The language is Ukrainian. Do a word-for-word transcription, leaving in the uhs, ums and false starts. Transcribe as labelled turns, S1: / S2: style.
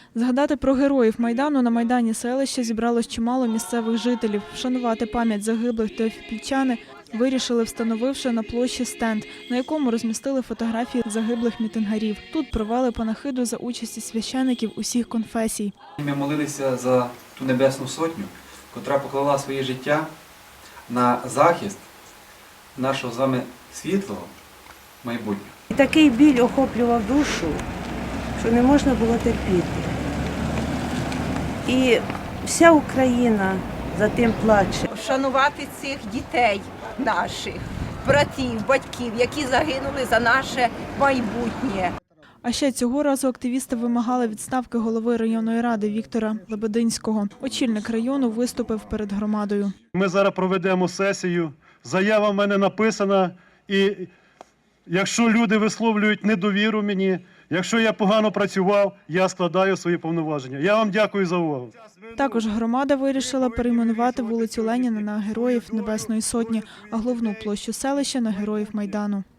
S1: Згадати про героїв Майдану на Майдані селища зібралось чимало місцевих жителів. Вшанувати пам'ять загиблих теофіпільчани вирішили, встановивши на площі стенд, на якому розмістили фотографії загиблих мітингарів. Тут провели панахиду за участі священиків усіх конфесій.
S2: Ми молилися за ту Небесну Сотню, котра поклала своє життя на захист нашого з вами світлого майбутнього.
S3: І такий біль охоплював душу, що не можна було терпіти. І вся Україна за тим плаче.
S4: Вшанувати цих дітей наших, братів, батьків, які загинули за наше майбутнє.
S1: А ще цього разу активісти вимагали відставки голови районної ради Віктора Лебединського. Очільник району виступив перед громадою.
S5: Ми зараз проведемо сесію, заява в мене написана, і якщо люди висловлюють недовіру мені, якщо я погано працював, я складаю свої повноваження. Я вам дякую за увагу.
S1: Також громада вирішила перейменувати вулицю Леніна на Героїв Небесної Сотні, а головну площу селища на Героїв Майдану.